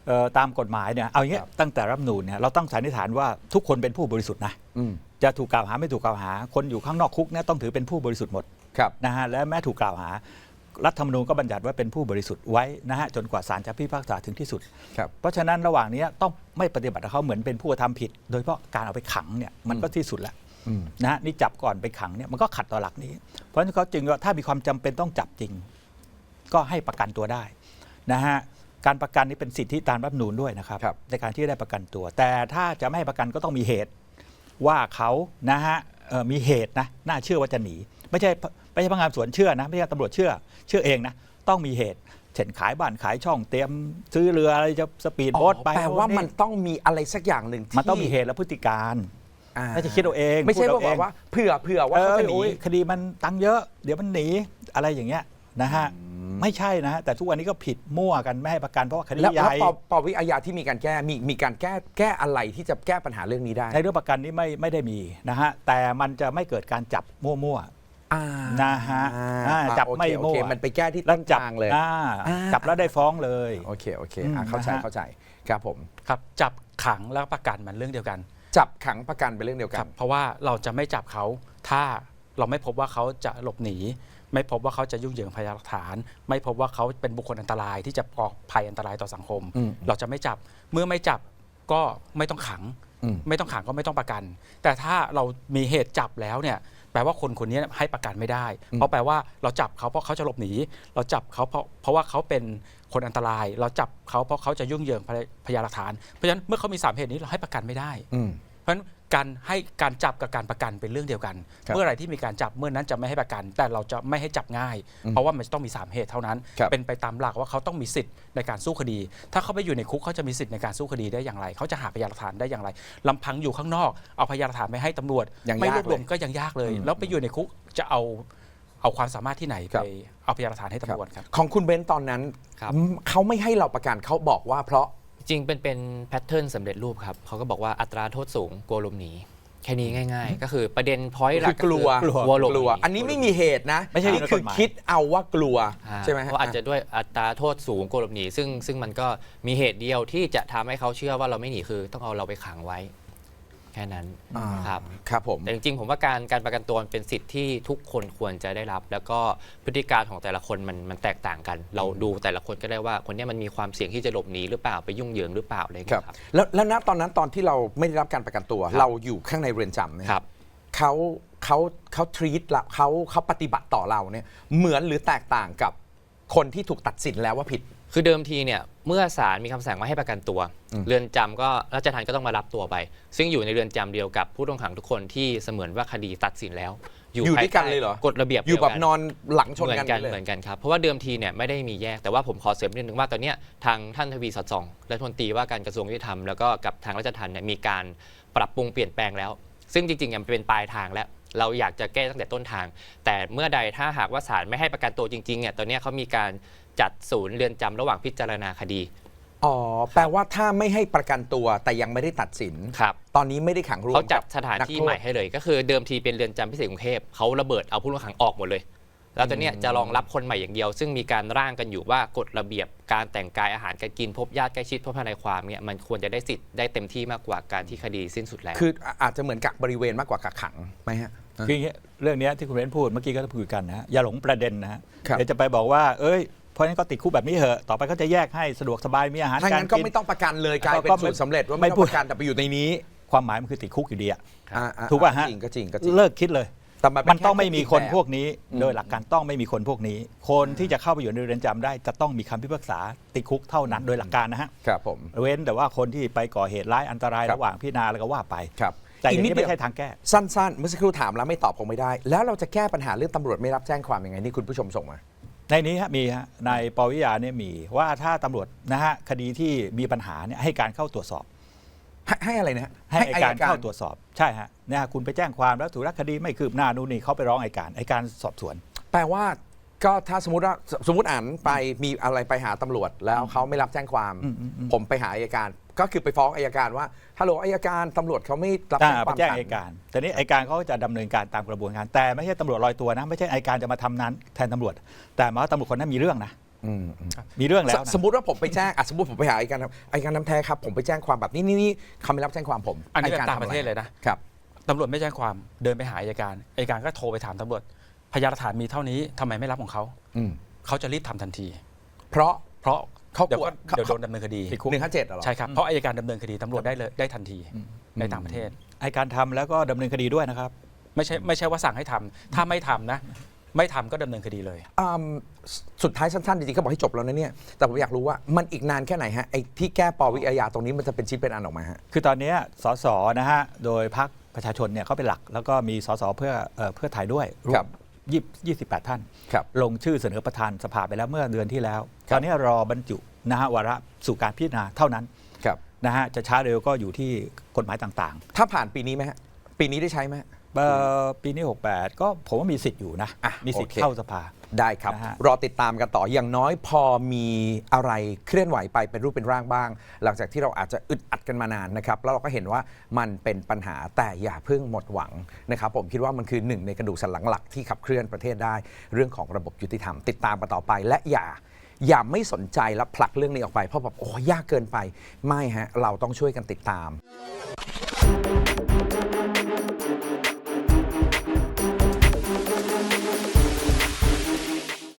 ตามกฎหมายเนี่ยเอาอย่างเงี้ยตั้งแต่รัฐธรรมนูญเนี่ยเราต้องสันนิษฐานว่าทุกคนเป็นผู้บริสุทธิ์นะจะถูกกล่าวหาไม่ถูกกล่าวหาคนอยู่ข้างนอกคุกเนี่ยต้องถือเป็นผู้บริสุทธิ์หมดนะฮะและแม้ถูกกล่าวหารัฐธรรมนูญก็บัญญัติว่าเป็นผู้บริสุทธิ์ไว้นะฮะจนกว่าศาลจะพิพากษาถึงที่สุดเพราะฉะนั้นระหว่างนี้ต้องไม่ปฏิบัติกับเขาเหมือนเป็นผู้กระทำผิดโดยเฉพาะการเอาไปขังเนี่ยมันก็ที่สุดแล้วนะฮะนี่จับก่อนไปขังเนี่ยมันก็ขัดต่อหลักนี้เพราะฉะนั้นเขาจึงว่าถ้ามีความจำเป็นต้องจับจริงก็ให้ประกันตัวได้นะฮะการประกันนี้เป็นสิทธิตามรัฐธรรมนูญด้วยนะครับในการที่ได้ประกันตัวแต่ถ้าจะไม่ให้ประกันก็ต้องมีเหตุว่าเขานะฮะมีเหตุนะน่าเชื่อว่าจะหนีไม่ใช่พนักงานสวนเชื่อนะไม่ใช่ตำรวจเชื่อเองนะต้องมีเหตุเช่นขายบ้านขายช่องเตรียมซื้อเรืออะไรจะสปีดโบ๊ทไปแปลว่ามันต้องมีอะไรสักอย่างหนึ่งที่มันต้องมีเหตุและพฤติการไม่ใช่คิดเอาเองไม่ใช่ว่าเผื่อว่าเขาจะหนีคดีมันตังเยอะเดี๋ยวมันหนีอะไรอย่างเงี้ยนะฮะไม่ใช่นะฮะแต่ทุกวันนี้ก็ผิดมั่วกันไม่ให้ประกันเพราะว่าคดีใหญ่แล้วปวิอาญาที่มีการแก้มีการแก้อะไรที่จะแก้ปัญหาเรื่องนี้ได้ในเรื่องประกันนี้ไม่ได้มีนะฮะแต่มันจะไม่เกิดการจับมั่วนะฮะจับไม่มั่วมันไปแก้ที่ต้นทางเลยจับแล้วได้ฟ้องเลยโอเคเข้าใจครับผมครับจับขังแล้วประกันมันเรื่องเดียวกันจับขังประกันเป็นเรื่องเดียวกันเพราะว่าเราจะไม่จับเขาถ้าเราไม่พบว่าเขาจะหลบหนีไม่พบว่าเขาจะยุ่งเหยิงพยานหลักฐานไม่พบว่าเขาเป็นบุคคลอันตรายที่จะก่อภัยอันตรายต่อสังคมเราจะไม่จับเมื่อไม่จับก็ไม่ต้องขังไม่ต้องขังก็ไม่ต้องประกันแต่ถ้าเรามีเหตุจับแล้วเนี่ยแปลว่าคนนี้ให้ประกันไม่ได้เพราะแปลว่าเราจับเขาเพราะเขาจะหลบหนีเราจับเขาเพราะว่าเขาเป็นคนอันตรายเราจับเขาเพราะเขาจะยุ่งเหยิงพยานหลักฐานเพราะฉะนั้นเมื่อเขามี3เหตุนี้เราให้ประกันไม่ได้เพราะฉะนั้นการจับกับการประกันเป็นเรื่องเดียวกันเมื่อไหร่ที่มีการจับเมื่อนั้นจะไม่ให้ประกันแต่เราจะไม่ให้จับง่ายเพราะว่ามันต้องมี3เหตุเท่านั้นเป็นไปตามหลักว่าเขาต้องมีสิทธิ์ในการสู้คดีถ้าเขาไปอยู่ในคุกเขาจะมีสิทธิ์ในการสู้คดีได้อย่างไรเขาจะหาพยานหลักฐานได้อย่างไรลำพังอยู่ข้างนอกเอาพยานหลักฐานไปให้ตำรวจไม่รวบรวมก็ยังยากเลยแล้วไปอยู่ในคุกจะเอาความสามารถที่ไหนไปเอาพยานหลักฐานให้ตำรวจครับของคุณเบนซ์ตอนนั้นเขาไม่ให้เราประกันเขาบอกว่าเพราะจริงเป็นแพทเทิร์นสำเร็จรูปครับเขาก็บอกว่าอัตราโทษสูงกลัวหลบหนีแค่นี้ง่ายๆก็คือประเด็นพอยต์หลักกลัวหลบหนีอันนี้ไม่มีเหตุนะไม่ใช่คือคิดเอาว่ากลัวใช่ไหมเพราะอาจจะด้วยอัตราโทษสูงกลัวหลบหนีซึ่งมันก็มีเหตุเดียวที่จะทำให้เขาเชื่อว่าเราไม่หนีคือต้องเอาเราไปขังไว้แค่นั้นครับผมแต่จริงๆผมว่าการประกันตัวเป็นสิทธิ์ที่ทุกคนควรจะได้รับแล้วก็พฤติการของแต่ละคนมันแตกต่างกันเราดูแต่ละคนก็ได้ว่าคนนี้มันมีความเสี่ยงที่จะหลบหนีหรือเปล่าไปยุ่งเหยิงหรือเปล่าอะไรครับแล้วณตอนนั้นตอนที่เราไม่ได้รับการประกันตัวเราอยู่ข้างในเรือนจำเนี่ยเขาทรีตเราเขาปฏิบัติต่อเราเนี่ยเหมือนหรือแตกต่างกับคนที่ถูกตัดสินแล้วว่าผิดคือเดิมทีเนี่ยเมื่อศาลมีคำสั่งว่าให้ประกันตัวเรือนจำก็ราชทัณฑ์ก็ต้องมารับตัวไปซึ่งอยู่ในเรือนจำเดียวกับผู้ต้องขังทุกคนที่เสมือนว่าคดีตัดสินแล้วอยู่ด้วยกันเลยเหรอกฎระเบียบอยู่แบบนอนหลังชนกันเหมือนกันครับเพราะว่าเดิมทีเนี่ยไม่ได้มีแยกแต่ว่าผมขอเสริมนิดนึงว่าตอนนี้ทางท่านทวีสอดส่องรัฐมนตรีว่าการกระทรวงยุติธรรมแล้วก็กับทางราชทัณฑ์เนี่ยมีการปรับปรุงเปลี่ยนแปลงแล้วซึ่งจริงๆมันเป็นปลายทางแล้วเราอยากจะแก้ตั้งแต่ต้นทางแต่เมื่อใดถ้าหากว่าศาลไม่ให้ประกันตัวจริงๆเนี่ยตอนนี้เขามีการจัดศูนย์เรือนจำระหว่างพิจารณาคดีแปลว่าถ้าไม่ให้ประกันตัวแต่ยังไม่ได้ตัดสินตอนนี้ไม่ได้ขังรวมเขาจัดสถานที่ใหม่ให้เลยก็คือเดิมทีเป็นเรือนจำพิเศษกรุงเทพเขาระเบิดเอาผู้ต้องขังออกหมดเลยแล้วตอนนี้จะรองรับคนใหม่อย่างเดียวซึ่งมีการร่างกันอยู่ว่ากฎระเบียบการแต่งกายอาหารการกินพบญาติใกล้ชิดพบทนายความเนี่ยมันควรจะได้สิทธิ์ได้เต็มที่มากกว่าการที่คดีสิ้นสุดแล้วคืออาจจะเหมือนกักบริเวณมากกว่ากักขังไหมฮะคือเรื่องนี้ที่คุณเบนพูดเมื่อกี้ก็พูดกันนะอย่าหลงประเด็นนะฮะเดี๋ยวจะไปบอกว่าเพราะฉะนั้นก็ติดคุกแบบนี้เหอะต่อไปก็จะแยกให้สะดวกสบายมีอาหารการกินก็ไม่ต้องประกันเลยกลายเป็นสูตรสำเร็จว่าไม่ต้องประกันแต่ไปอยู่ในนี้ความหมายมันคือติดคุกอยู่ดีถูกป่ะฮะจริงเลิกคิดเลยมันต้องไม่มีคนพวกนี้โดยหลักการต้องไม่มีคนพวกนี้คนที่จะเข้าไปอยู่ในเรือนจำได้จะต้องมีคำพิพากษาติดคุกเท่านั้นโดยหลักการนะฮะครับผมเว้นแต่ว่าคนที่ไปก่อเหตุร้ายอันตรายระหว่างพิจารณาแล้วก็ว่าไปแต่อีกนิดไม่ใช่ทางแก้สั้นๆเมื่อสักครู่ถามแล้วไม่ตอบคงไม่ได้แล้วเราจะแก้ปัญหาเรื่องตำรวจไม่รับแจ้งความยังไงนี่คุณผู้ชมส่งมาในนี้มีในปวิยาเนี่ยมีว่าถ้าตำรวจนะฮะคดีที่มีปัญหาเนี่ยให้การเข้าตรวจสอบให้อะไรนะให้อัยการเข้าตรวจสอบใช่ฮะเนี่ยคุณไปแจ้งความแล้วถูกคดีไม่คืบหน้านู่นนี่เขาไปร้องอัยการสอบสวนแปลว่าก็ถ้าสมมติอ่านไปมีอะไรไปหาตำรวจแล้วเขาไม่รับแจ้งความผมไปหาอัยการก็คือไปฟ้องอัยการว่าฮัลโหลอัยการตำรวจเขาไม่รับแจ้งความไปแจ้งอัยการแต่นี้อัยการเขาจะดำเนินการตามกระบวนการแต่ไม่ใช่ตำรวจลอยตัวนะไม่ใช่อัยการจะมาทำนั้นแทนตำรวจแต่มาว่าตำรวจคนนั้นมีเรื่องนะมีเรื่องแล้วนะสมมติว่าผมไปแจ้งสมมติผมไปหาอัยการน้ำแท้ครับผมไปแจ้งความแบบนี้เขาไม่รับแจ้งความผมอันนี้ยเป็นกต่างประเทศเลยนะครับ ตำรวจไม่แจ้งความเดินไปหาอัยการก็โทรไปถามตำรวจพยานหลักฐานมีเท่านี้ทำไมไม่รับของเขาเขาจะรีบทำทันทีเพราะ เขาเดี๋ยวกลัวเดี๋ยวโดนดำเนินคดี 157เหรอใช่ครับเพราะอัยการดำเนินคดีตำรวจได้ทันทีในต่างประเทศไอ้การทำแล้วก็ดำเนินคดีด้วยนะครับไม่ใช่ว่าสั่งให้ทำถ้าไม่ทำนะไม่ทำก็ดำเนินคดีเลยสุดท้ายสั้นๆจริงๆเขาบอกให้จบแล้วนะเนี่ยแต่ผมอยากรู้ว่ามันอีกนานแค่ไหนฮะไอ้ที่แก้ปวิอาญาตรงนี้มันจะเป็นชิ้นเป็นอันออกมาฮะคือตอนนี้สสนะฮะโดยพรรคประชาชนเนี่ยเขาเป็นหลักแล้วก็มีสสเพื่อไทยด้วยรวครัมบ 28 ท่านครับลงชื่อเสนอประธานสภาไปแล้วเมื่อเดือนที่แล้วครับตอนนี้รอบรรจุนะฮะวาระสู่การพิจารณาเท่านั้นครับนะฮะจะช้าเร็วก็อยู่ที่กฎหมายต่างถ้าผ่านปีนี้ไหมฮะปีนี้ได้ใช้ไหมๆปีนี้ 68 ก็ผมว่ามีสิทธิ์อยู่นะ มีสิทธิ์โอเคเข้าสภาได้ครับนะฮะรอติดตามกันต่ออย่างน้อยพอมีอะไรเคลื่อนไหวไปเป็นรูปเป็นร่างบ้าง หลังจากที่เราอาจจะอึดอัดกันมานานนะครับแล้วเราก็เห็นว่ามันเป็นปัญหาแต่อย่าเพิ่งหมดหวังนะครับผมคิดว่ามันคือหนึ่งในกระดูกสันหลังหลักที่ขับเคลื่อนประเทศได้เรื่องของระบบยุติธรรมติดตามกันต่อไปและอย่าไม่สนใจและผลักเรื่องนี้ออกไปเพราะแบบโอ้ยากเกินไปไม่ฮะเราต้องช่วยกันติดตาม